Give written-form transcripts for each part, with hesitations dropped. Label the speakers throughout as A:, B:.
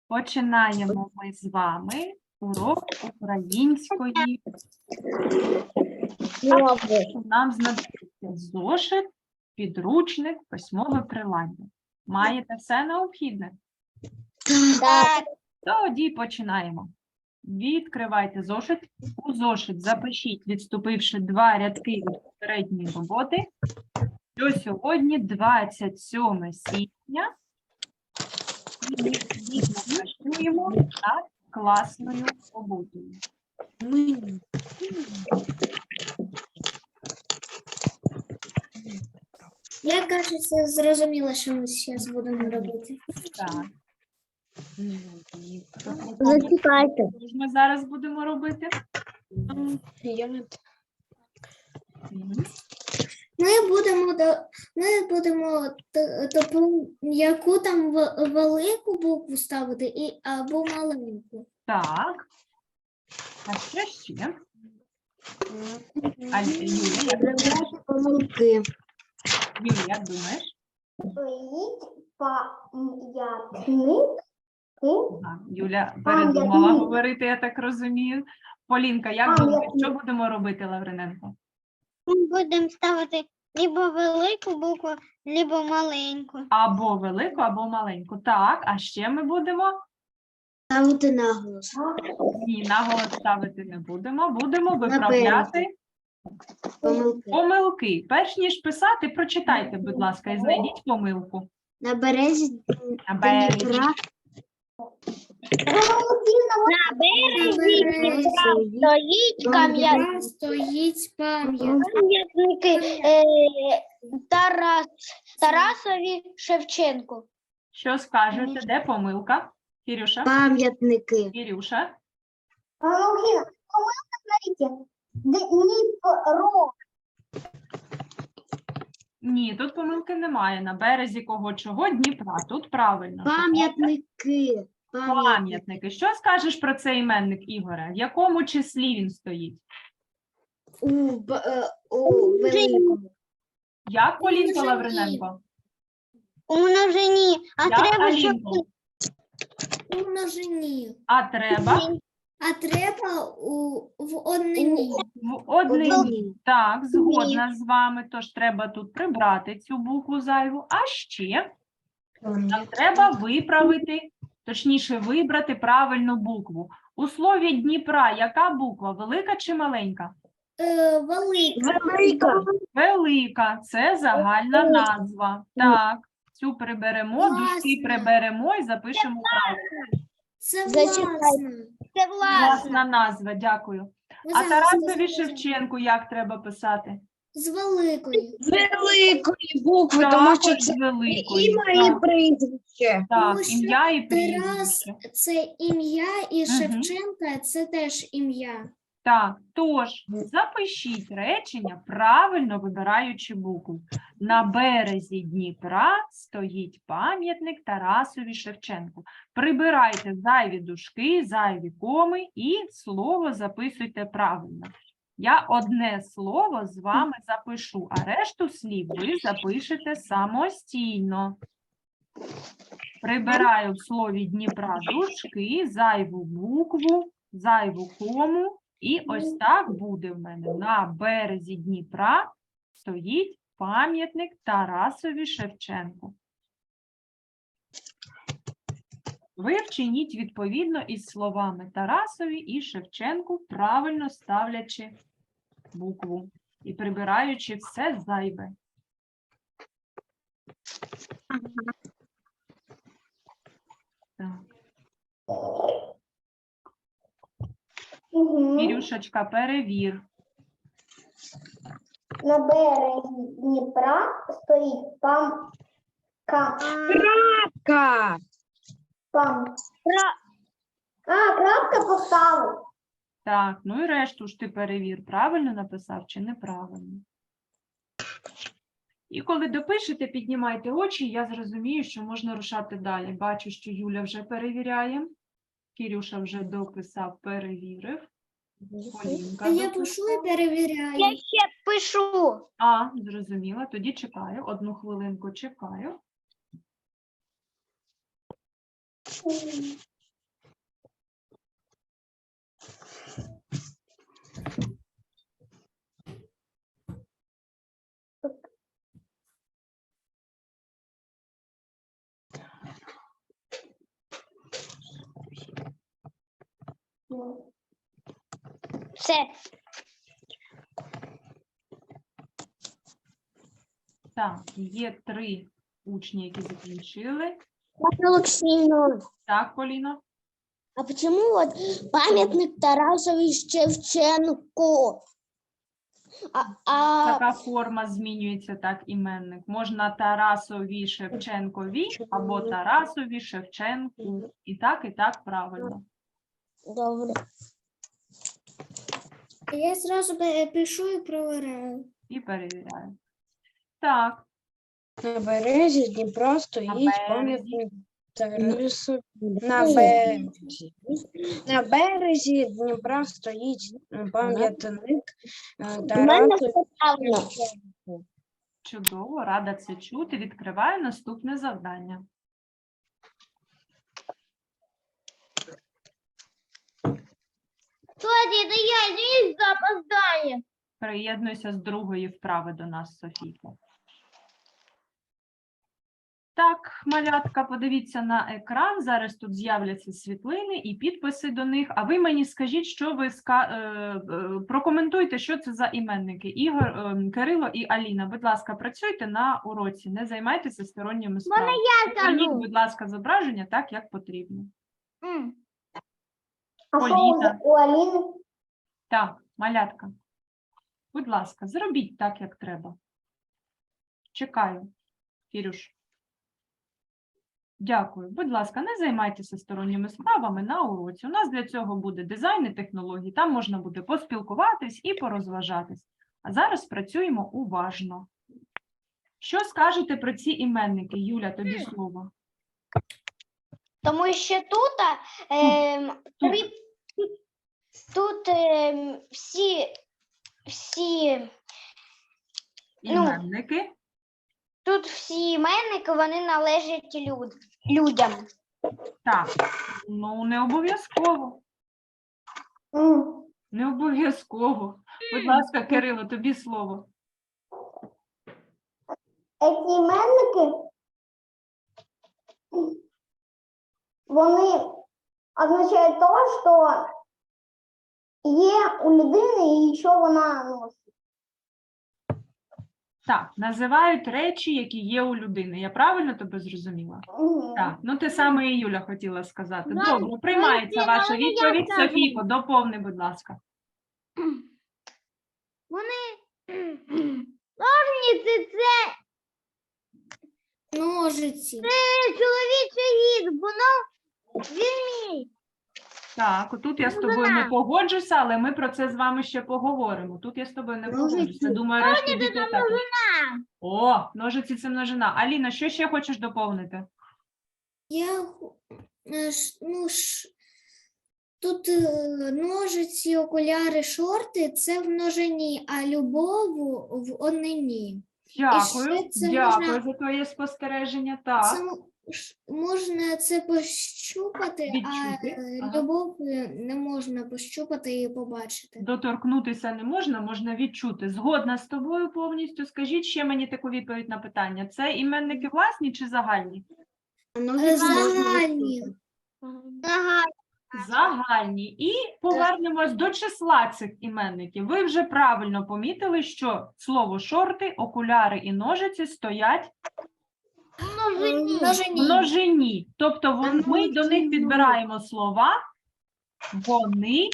A: Починаємо ми з вами урок української. Нам знадобиться зошит, підручник, письмове приладдя. Маєте все необхідне?
B: Так.
A: Тоді починаємо. Відкривайте зошит. У зошит запишіть, відступивши 2 рядки від попередньої роботи, що сьогодні 27 січня. І ми відповідно працюємо над класною роботою.
B: Я, кажется, зрозуміла, що ми зараз будемо робити.
A: Так.
B: Зачекайте.
A: Що ж ми зараз будемо робити?
B: Ми будемо яку там велику букву ставити або маленьку.
A: Так. А що ще? А Юля, як думаєш?
B: Помилки.
A: Юля, як думаєш? Ага, Юля передумала говорити, я так розумію. Полінка, як думаєш, що будемо робити, Лавриненко?
C: Ми будемо ставити либо велику букву, либо маленьку.
A: Або велику, або маленьку. Так, а ще ми будемо?
B: Ставити наголос.
A: Ні, наголос ставити не будемо. Будемо виправляти помилки. Перш ніж писати, прочитайте, будь ласка, і знайдіть помилку.
B: На березі
A: На березі.
B: Дніпра.
C: На березі
B: Стоїть пам'ятник.
C: пам'ятники Тарасові Шевченку.
A: Що скажете, де помилка? Кірюша?
B: Пам'ятники.
A: Кірюша? Ні, тут помилки немає. На березі кого чого? Дніпра. Тут правильно.
B: Пам'ятники.
A: Пам'ятники. Що скажеш про цей іменник, Ігоре? В якому числі він стоїть?
B: У великому.
A: Як, Полінка Лавриненко?
C: У множині. А
A: Як,
C: треба, щоб
A: Алінко?
B: У множині.
A: А треба?
B: А треба в однині.
A: В однині. Так, згодна з вами. Тож треба тут прибрати цю букву зайву. А ще нам треба виправити, точніше вибрати правильну букву. У слові Дніпра яка буква? Велика чи маленька?
B: Велика.
A: Велика. Це загальна назва. Так, цю приберемо,
B: Власна.
A: дужки приберемо і запишемо правильно.
B: Це
C: Зачекайте.
B: власне.
C: це власне.
A: Власна назва, дякую. А Тарасові Шевченку як треба писати?
B: З великою.
D: Великої букви, тому що
A: Також
D: це
A: з великої.
D: ім'я і прізвище.
A: Так,
B: Тому що
A: ім'я і
B: Тарас
A: прізвище.
B: це ім'я, і
A: Мгм.
B: Шевченка це теж ім'я.
A: Так, тож запишіть речення, правильно вибираючи букву. На березі Дніпра стоїть пам'ятник Тарасові Шевченку. Прибирайте зайві дужки, зайві коми і слово записуйте правильно. Я одне слово з вами запишу, а решту слів ви запишете самостійно. Прибираю в слові Дніпра дужки, зайву букву, зайву кому. І ось так буде в мене. На березі Дніпра стоїть пам'ятник Тарасові Шевченку. Ви вчиніть відповідно із словами Тарасові і Шевченку, правильно ставлячи букву і прибираючи все зайве. Так. Ірюшечка, перевір.
E: На березі Дніпра стоїть
D: Крапка.
E: крапка поставив.
A: Так, ну і решту ж ти перевір, правильно написав чи неправильно. І коли допишете, піднімайте очі, я зрозумію, що можна рушати далі. Бачу, що Юля вже перевіряє. Кірюша вже дописав, перевірив. Полінка
B: А я
A: дописала.
B: пишу і перевіряю.
C: Я ще пишу.
A: А, зрозуміла. Тоді чекаю. Одну хвилинку чекаю.
C: Все.
A: Так, є 3 учні, які закінчили.
E: Олексійовна,
A: Так, Поліно?
E: а почему вот памятник Тарасові Шевченку?
A: Така форма змінюється, так, іменник. Можна Тарасові Шевченкові або Тарасові Шевченку. І так правильно.
E: Добре.
B: Я зразу пишу і провіряю.
A: І перевіряю. Так,
D: На березі Дніпра стоїть
A: березі.
D: пам'ятник Тарасу. На березі Дніпра стоїть пам'ятник Тарасу.
A: чудово, рада це чути. Відкриваю наступне завдання.
C: Кстати, это я здесь опоздаю.
A: Приєднуйся з другої вправи до нас, Софійка. Так, малятка, подивіться на екран. Зараз тут з'являться світлини і підписи до них. А ви мені скажіть, що ви прокоментуйте, що це за іменники. Ігор, Кирило і Аліна. Будь ласка, працюйте на уроці, не займайтеся сторонніми справами. Зверніть, будь ласка, зображення так, як потрібно.
E: А що
A: Поліна.
E: у Аліни?
A: Так, малятка. Будь ласка, зробіть так, як треба. Чекаю, Кірюш. Дякую. Будь ласка, не займайтеся сторонніми справами на уроці. У нас для цього буде дизайн і технології. Там можна буде поспілкуватись і порозважатись. А зараз працюємо уважно. Що скажете про ці іменники? Юля, тобі слово.
C: Тому що тут, тут всі
A: Іменники.
C: тут всі іменники, вони належать людям.
A: Так, ну не обов'язково. Не обов'язково. Будь ласка, Кирило, тобі слово.
E: Ці іменники, вони означають те, що є у людини і що вона носить.
A: Так, називають речі, які є у людини. Я правильно тебе зрозуміла? Так, ну те саме і Юля хотіла сказати. Добре, приймається ваша відповідь. Софійко, доповни, будь ласка.
C: Ножниці – це
B: Ножиці.
C: чоловічий гід, воно він мій.
A: Так, отут я з тобою не погоджуся, але ми про це з вами ще поговоримо. Тут я з тобою не погоджуся. Думаю, решті дітей так. О, ножиці – це множина. Аліна, що ще хочеш доповнити?
B: Тут ножиці, окуляри, шорти – це в множині, а любов в однині.
A: Дякую,
B: ще це
A: дякую
B: можна-
A: за твоє спостереження. Так.
B: Це можна це пощупати,
A: Відчути,
B: а
A: ага.
B: любов не можна пощупати і побачити.
A: Доторкнутися не можна, можна відчути. Згодна з тобою повністю. Скажіть ще мені таку відповідь на питання. Це іменники власні чи загальні?
B: Загальні.
C: Ага.
A: Загальні. І повернемось до числа цих іменників. Ви вже правильно помітили, що слово шорти, окуляри і ножиці стоять в множині. Тобто ми до них підбираємо слова, вони,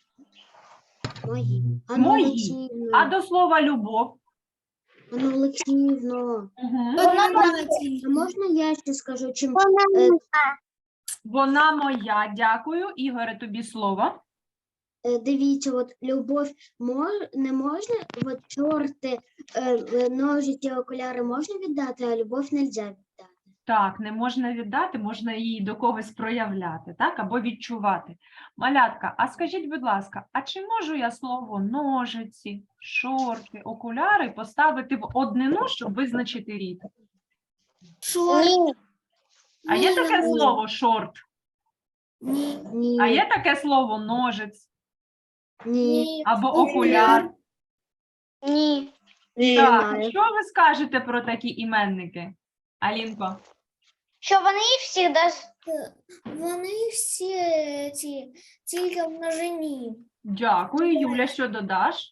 A: мої. А до слова любов?
E: Анна Олексіївна,
A: Мгм.
E: а можна я ще скажу, чим
A: Вона моя. Дякую. Ігоре, тобі слово.
E: дивіться, от любов не можна, от чорти, ножиці, окуляри можна віддати, а любов не можна віддати.
A: Так, не можна віддати, можна її до когось проявляти, так, або відчувати. Малятка, а скажіть, будь ласка, а чи можу я слово ножиці, шорти, окуляри поставити в однину, щоб визначити рід?
B: Шорт.
A: А є
B: Ні,
A: таке
B: ні.
A: слово шорт?
B: Ні.
E: Ні,
A: А є таке слово ножиць
B: Ні.
A: або окуляр?
C: Ні.
A: Так, що ви скажете про такі іменники? Алінко?
C: Що вони завжди
B: Вони всі тільки в множині.
A: Дякую. Юля, що додаш?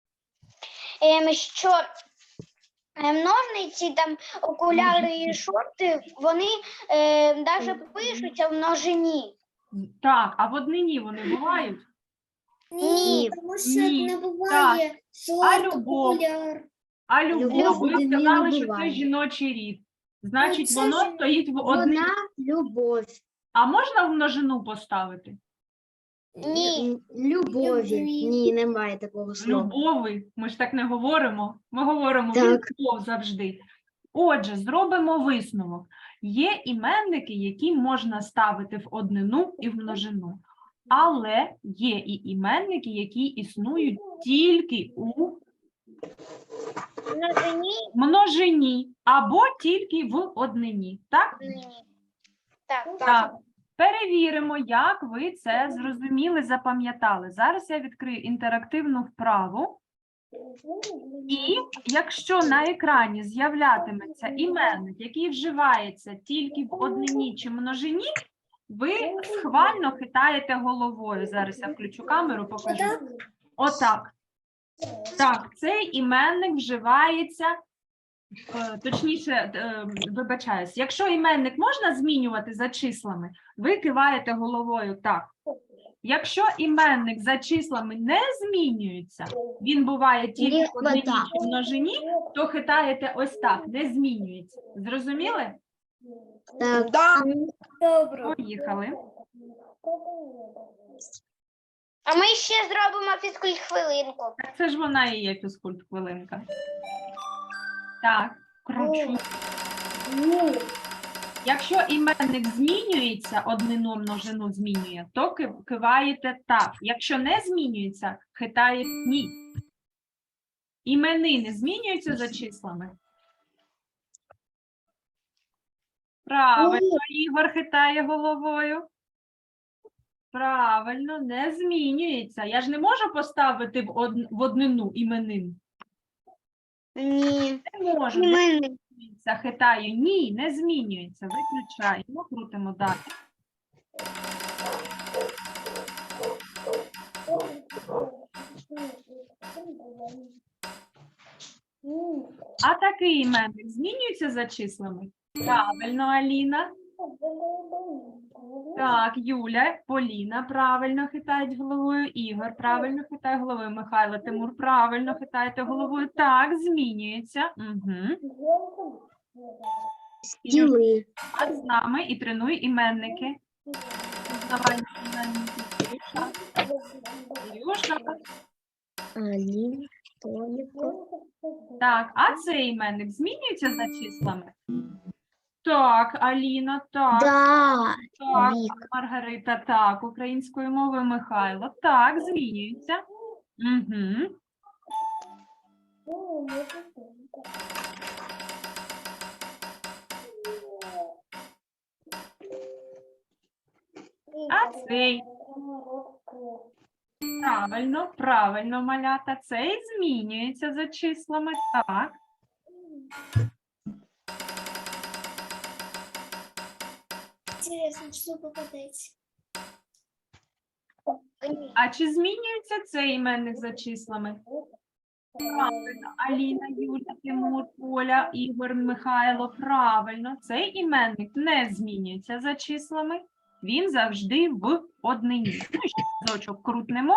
C: що ножниці, там, окуляри і шорти, вони навіть пишуться в множині.
A: Так, а в однині вони бувають?
B: Ні, тому що
A: Ні.
B: не буває шорт,
A: любов?
B: окуляр.
A: А любов,
E: Любов
A: ви
E: в однині
A: сказали,
E: не
A: що це
E: буває.
A: жіночий рід. Значить,
B: це
A: воно
B: ж-
A: стоїть в однині.
E: Вона любов.
A: А можна в множину поставити?
C: Ні.
E: Любові.
B: Любві.
E: Ні, немає такого слова.
A: Любови. Ми ж так не говоримо. Ми говоримо
E: Так.
A: любов завжди. Отже, зробимо висновок. Є іменники, які можна ставити в однину і в множину. Але є і іменники, які існують тільки у
C: В множині
A: множині або тільки в однині. Так?
C: ні. Так.
A: Так. Перевіримо, як ви це зрозуміли, запам'ятали. Зараз я відкрию інтерактивну вправу. І якщо на екрані з'являтиметься іменник, який вживається тільки в однині чи множині, ви схвально хитаєте головою. Зараз я включу камеру, покажу. Отак. Так, цей іменник вживається, точніше, вибачаюсь, якщо іменник можна змінювати за числами, ви киваєте головою так. Якщо іменник за числами не змінюється, він буває тільки в однині чи в множині, то хитаєте ось так, не змінюється. Зрозуміли?
E: Так.
B: Добре.
A: Поїхали.
C: А ми ще зробимо фізкульт-хвилинку.
A: Так це ж вона і є фізкульт-хвилинка. Так, кручу. Якщо іменник змінюється, однину множину змінює, то киваєте так. Якщо не змінюється, хитає ні. Іменини змінюються за числами? Правильно, Ігор хитає головою. Правильно, не змінюється. Я ж не можу поставити в однину іменин.
C: Ні.
A: Не можу. Не змінюється. Хитаю. Ні, не змінюється. Виключаємо, крутимо далі. А такий іменник змінюється за числами? Правильно, Аліна. Так, Юля, Поліна правильно хитають головою, Ігор правильно хитає головою, Михайло, Тимур правильно хитаєте головою. Так, змінюється. Угу.
E: Тіли.
A: А з нами і тренуй іменники. Пізнавальні іменники. Ілюша.
E: Аліна, Толіко.
A: Так, а цей іменник змінюється за числами? Так, Аліна, так.
E: Да.
A: Так,
E: Вік.
A: Маргарита, так, українською мовою Михайло. Так, змінюється. Угу. А цей? Правильно, правильно, малята. Цей змінюється за числами. Так.
B: Інтересно, що попадеться.
A: А чи змінюється цей іменник за числами? Правильно. Аліна, Юля, Тимур, Поля, Ігор, Михайло. Правильно. Цей іменник не змінюється за числами. Він завжди в однині. Ну, і ще разочок крутнемо.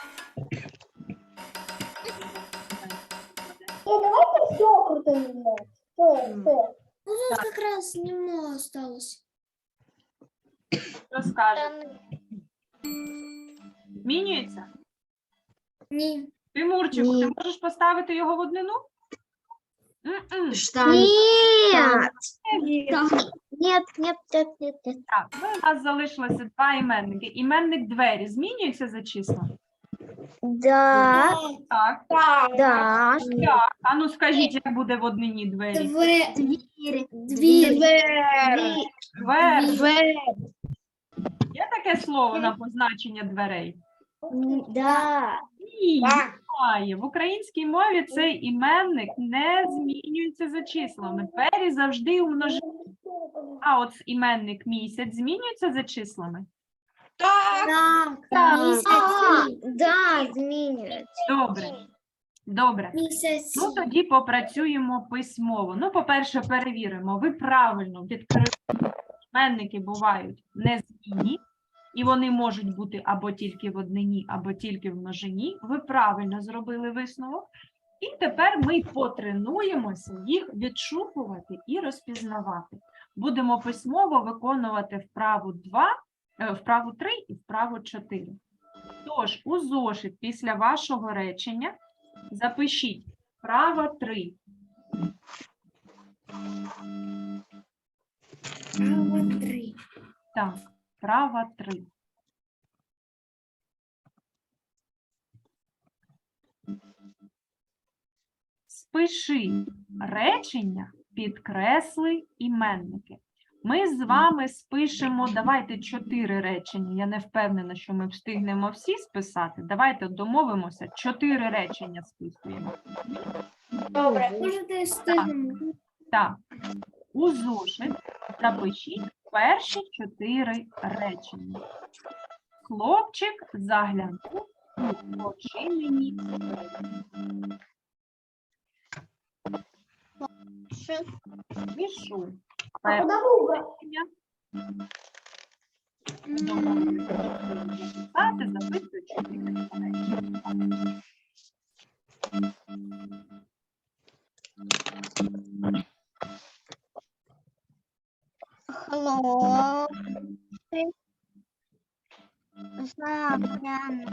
B: Ну, тут якраз немного осталось.
A: Що скаже? Змінюється?
B: Ні.
A: Тимурчику,
E: Ні.
A: ти можеш поставити його в однину? М-м.
E: Штан.
C: Нет.
E: Так.
C: Нет, нет, нет, нет, нет.
A: Так, ну, у нас залишилося два іменники. Іменник двері змінюється за числа?
C: Да.
A: Так.
C: Да.
A: Так. А ну скажіть, як буде в однині двері?
E: Двір.
B: Двір.
A: Двері. Є таке слово на позначення дверей?
C: Да.
A: Ні, немає. В українській мові цей іменник не змінюється за числами. Двері завжди у множині. А от іменник місяць змінюється за числами?
B: Так, місяці.
E: Да, змінюється.
A: Добре. Добре.
B: Місяці.
A: Ну, тоді попрацюємо письмово. Ну, по-перше, перевіримо. Ви правильно відкрили. Іменники бувають незмінні, і вони можуть бути або тільки в однині, або тільки в множині. Ви правильно зробили висновок. І тепер ми потренуємося їх відшукувати і розпізнавати. Будемо письмово виконувати вправу 3 і вправу 4. Тож, у зошит після вашого речення запишіть вправа 3.
B: Право 3.
A: Так, вправа 3. Спиши речення, підкресли іменники. Ми з вами спишемо, давайте 4 речення. Я не впевнена, що ми встигнемо всі списати. Давайте домовимося, 4 речення списуємо.
B: Добре. Можете встигнемо.
A: Так, у зошит запишіть перші 4 речення. Хлопчик заглянув у очинені двері. Пишу. Перше речення. Записати, записую 4 речення.
C: Хлопчик заглянув.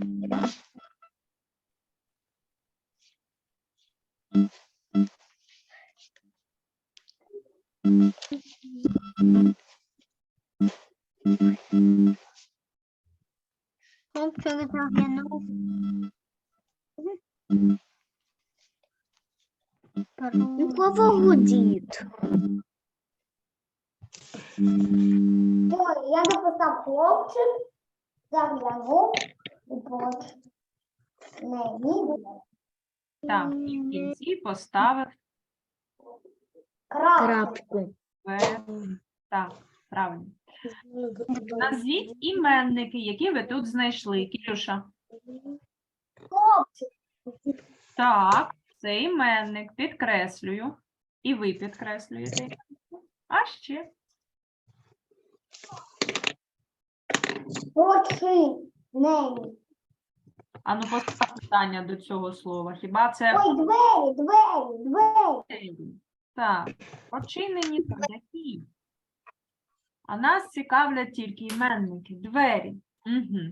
C: Хлопчик заглянув.
E: У кого гудить?
C: Я написав хлопчик, заглянув у поч.
A: Так, і в кінці поставив
E: Крапку.
A: В. Так, правильно. Назвіть іменники, які ви тут знайшли. Кирюша.
C: Хлопчик.
A: Так, це іменник. Підкреслюю. І ви підкреслюєте. А ще.
C: Очинені.
A: Ану, постав питання до цього слова. Хіба це
C: Ой, двері.
A: так, очинені то які? А нас цікавлять тільки іменники, двері. Угу.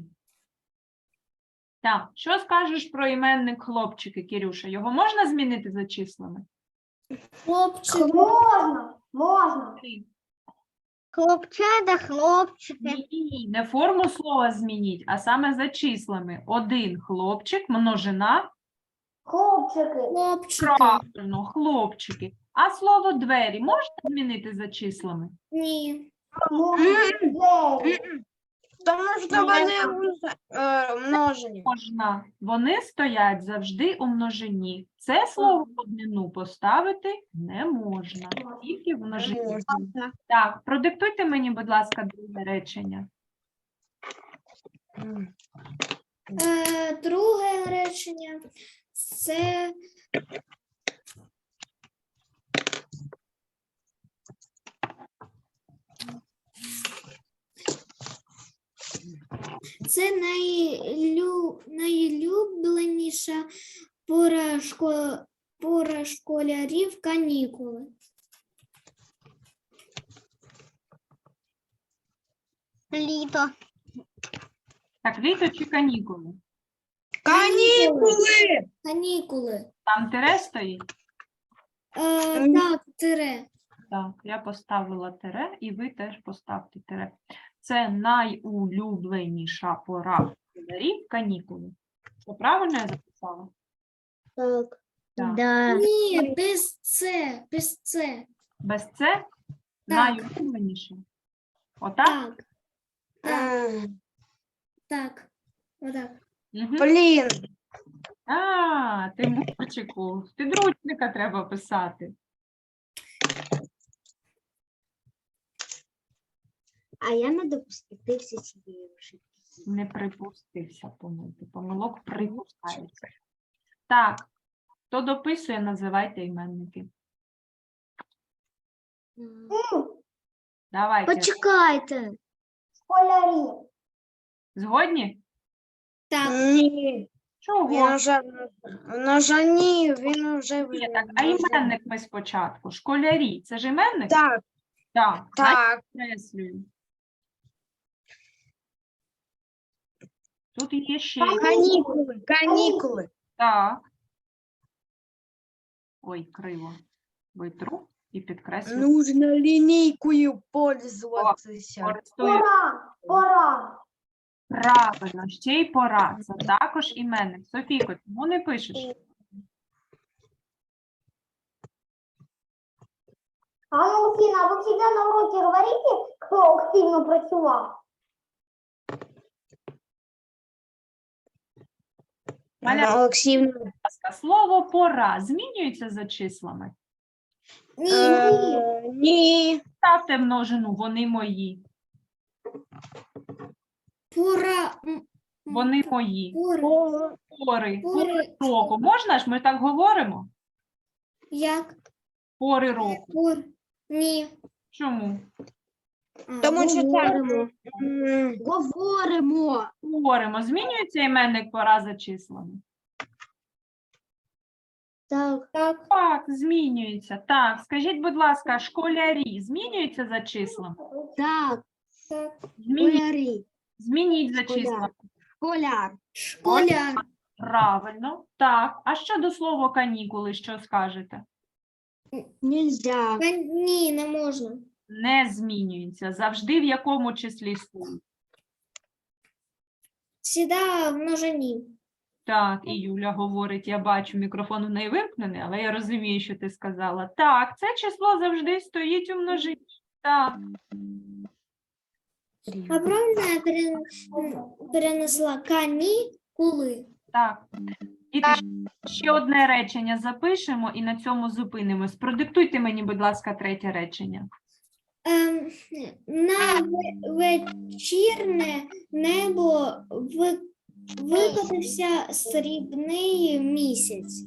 A: Так, що скажеш про іменник хлопчики, Кирюша? Його можна змінити за числами?
B: Хлопчик.
C: Можна. Хлопчата, хлопчики.
A: Ні, не форму слова змініть, а саме за числами. Один хлопчик, множина,
C: Хлопчики.
B: Хлопчики.
A: правильно, хлопчики. А слово двері можна змінити за числами?
B: Ні.
C: Двері.
D: Тому що вони множені.
A: Можна. Вони стоять завжди у множині. Це слово в однину поставити не можна. Тільки в множині. Так, продиктуйте мені, будь ласка, друге речення.
B: Друге речення це найулюбленіша пора школярів канікули.
C: Літо.
A: Так, літо чи канікули?
D: Канікули!
B: Канікули.
A: Там тире стоїть?
B: Так, тире.
A: Так, я поставила тире, і ви теж поставте тире. Це найулюбленіша пора школярів канікули. Це правильно я записала?
E: Так.
A: Так.
E: Да.
B: Ні, без це, без це.
A: Без це найулюбленіше. Отак?
B: Так, так. Отак.
A: Угу.
D: Блін,
A: А, Тимурчику, з підручника треба писати.
E: А я не допустився цієї ошибки.
A: Не припустився помилки. Помилок припускається. Так, хто дописує, називайте іменники. Давайте.
E: Почекайте.
D: Школярі.
A: Згодні?
B: Так,
D: Ні.
A: Чого?
D: Він уже ні, він вже
A: Ні, так, а іменник ми спочатку. Школярі. Це ж іменник?
D: Так,
A: Так.
D: так.
A: Підкреслюю. Тут є ще.
D: Канікули.
A: Так. Ой, криво. Витру і підкреслю.
D: Нужно лінійкою пользуватися.
A: Користую.
D: Пора.
A: Правильно, ще й пора. Це також іменник. Софійко, чому не пишеш?
F: Анна Олексійовна, а ви завжди на уроці говорите, хто активно працював?
A: Маля,
D: Олексіївна.
A: будь ласка, слово пора змінюється за числами?
D: Ні.
A: Ставте множину, вони мої.
B: пора,
A: Вони мої. Пори.
B: пори,
A: Року. Можна ж? Ми так говоримо?
B: як,
A: Пори року.
B: ні.
A: Чому?
D: Тому що так.
E: Говоримо.
A: Говоримо. Змінюється іменник пора за числами?
E: Так.
B: Так,
A: Так, змінюється. Так, скажіть, будь ласка, школярі змінюються за числами?
E: Так.
B: так,
E: Школярі.
A: Змініть за
E: Школяр.
A: числами.
E: Школяр.
B: школяр,
A: Правильно. Так. А щодо слова канікули, що скажете?
E: Нельзя.
B: ні, не можна.
A: Не змінюється. Завжди в якому числі стоїть?
B: Сіда в множині.
A: Так, і Юля говорить, я бачу, мікрофон в неї вимкнений, але я розумію, що ти сказала. Так, це число завжди стоїть у множині. Так.
B: А правильно я перенесла канікули.
A: Так. Діти, ще одне речення запишемо і на цьому зупинимось. Продиктуйте мені, будь ласка, третє речення.
B: На вечірне небо викотився срібний місяць.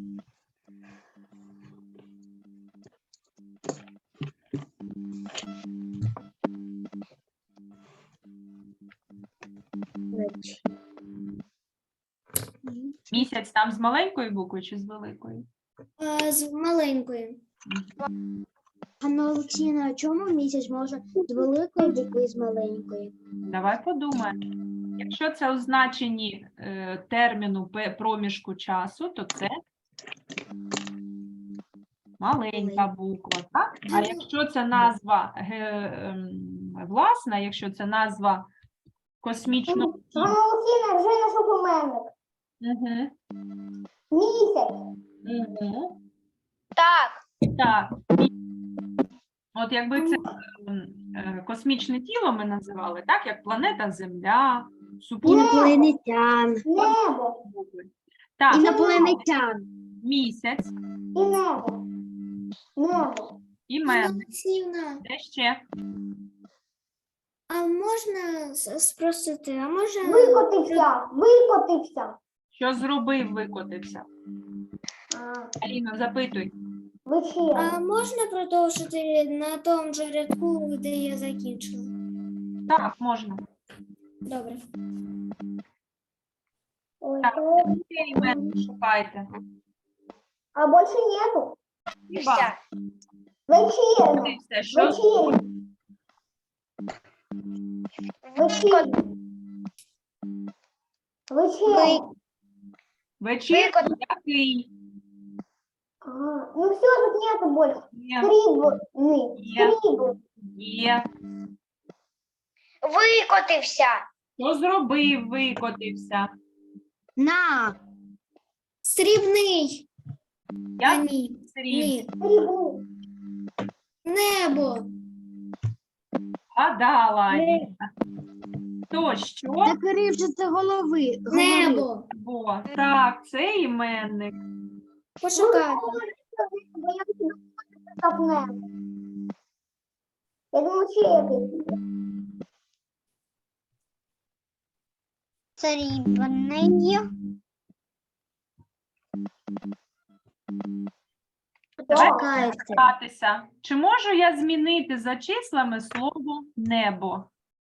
A: Місяць там з маленької букви чи з великої?
B: З маленької.
E: Анна Олексійовна, а чому місяць може з великої букви і з маленької?
A: Давай подумаємо. Якщо це у значенні терміну проміжку часу, то це маленька буква, так? А якщо це назва власна, якщо це назва космічного тіла,
F: Анна Олексійовна, вже знайшов іменник.
A: Угу.
F: Місяць.
A: Угу.
C: Так.
A: Так. От якби це космічне тіло ми називали, так, як планета Земля, супутник.
E: Інопланетян.
F: Небо.
A: Так,
E: Інопланетян.
A: місяць,
F: І небо. Небо.
A: іменник.
B: Олексіївна,
A: Де ще?
B: а можна спросити, а може
F: Викотився.
A: Що зробив, викотився? Аліно, запитуй.
F: Вечірня.
B: а можна продовжити на тому же рядку, де я закінчила?
A: Так, можна.
B: Добре.
A: Так, ще іменник шукайте.
F: А більше нету.
A: Хіба?
F: Вечірня.
A: Викотився, що
F: Вечірня. Вечірня. Вечірня.
A: вечірній який?
F: Ага. Ну все, тут нету больше.
A: Є,
F: Срібний.
A: Є.
F: Срібний.
A: є.
C: Викотився.
A: Що зробив, викотився?
E: На.
B: Срібний. А
A: Я
B: ні.
A: сріб.
B: Ні.
F: Срібний.
B: Небо.
A: Гадала, Аліна. То що?
E: Так же це голови.
B: Небо.
A: Бо так, це іменник.
B: Почекайте.
F: Бо я так небо. Я думаю, чи який.
C: Срібний.
E: Чекайте.
A: Гратися. Чи можу я змінити за числами слово небо?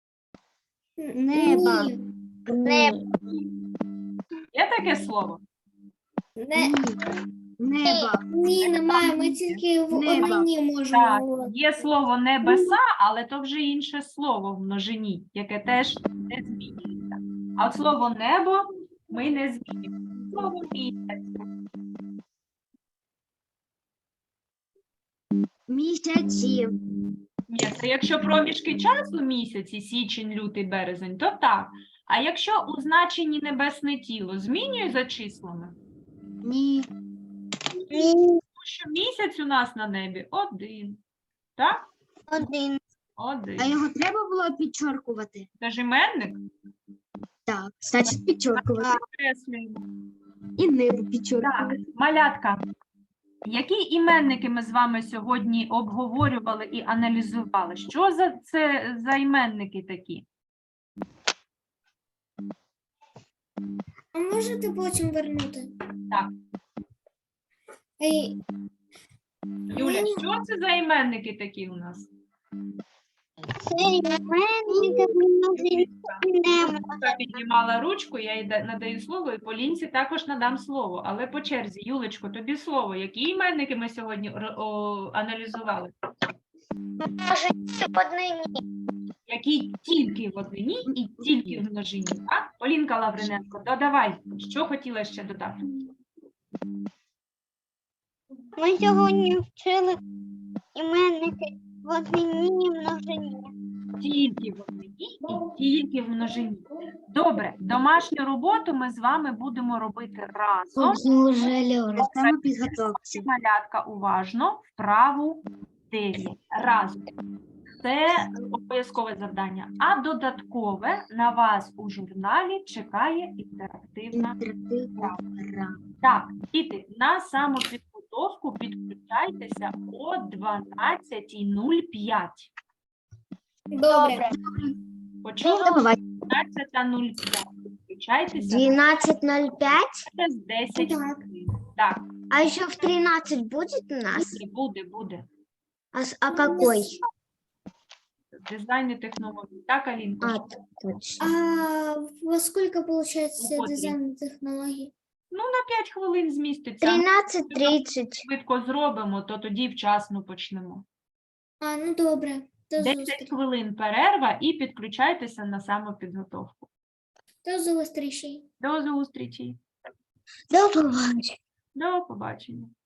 E: Неба.
B: Ні.
A: Є таке слово?
E: Неба.
B: Ні, немає. Ми тільки в
E: Неба.
B: однині можемо
A: Так,
B: говорити.
A: є слово небеса, але то вже інше слово в множині, яке теж не змінюється. А от слово небо ми не змінюємо. Слово місяць.
E: Місяці.
A: Ні, це якщо проміжки часу місяці, січень, лютий, березень, то так. А якщо у значенні небесне тіло змінює за числами,
E: Ні.
A: тому що місяць у нас на небі один. Так?
C: Один.
A: Один.
E: А його треба було підчоркувати?
A: Це ж іменник.
E: Так, значить підчоркувати.
A: Підкреслюємо.
E: І небо
A: Так,
E: підчоркувати.
A: малятка. Які іменники ми з вами сьогодні обговорювали і аналізували? Що це за іменники такі?
B: А можете потім вернути?
A: Так.
B: Ей,
A: Юля, що це за іменники такі у нас?
C: Це іменники множині.
A: Я піднімала ручку, я їй надаю слово, і Полінці також надам слово. Але по черзі, Юлечко, тобі слово. Які іменники ми сьогодні аналізували?
F: В однині.
A: Які тільки в однині і тільки в множині. Так? Полінка Лавриненко, додавай, що хотіла ще додати?
C: Ми сьогодні вчили іменники в однині і множині.
A: Тільки в однині і тільки в множині. Добре, домашню роботу ми з вами будемо робити разом.
E: Самопідготовці.
A: Малятка уважно, вправу 9. Разом. Це обов'язкове завдання. А додаткове на вас у журналі чекає інтерактивна. Так, діти, на самопідготовку підключайтеся о 12:05.
B: добре.
A: Почули?
E: До побачення.
A: 12:05. Підключайтеся
D: 12:05.
A: через 10
B: Так.
A: хвилин. Так,
D: А еще в 13 будет у нас?
A: буде.
D: А какой?
A: Дизайн і технології. Так, Алінко?
D: А, точно.
B: А во сколько получается
A: Вот
B: дизайн технологий?
A: Ну, на 5 хвилин зміститься.
D: 13:30.
A: Швидко зробимо, то тоді вчасно почнемо.
B: А, ну добре. До
A: 10
B: зустрічі.
A: хвилин перерва і підключайтеся на самопідготовку.
B: До зустрічі.
A: До зустрічі.
D: До побачення.
A: До побачення.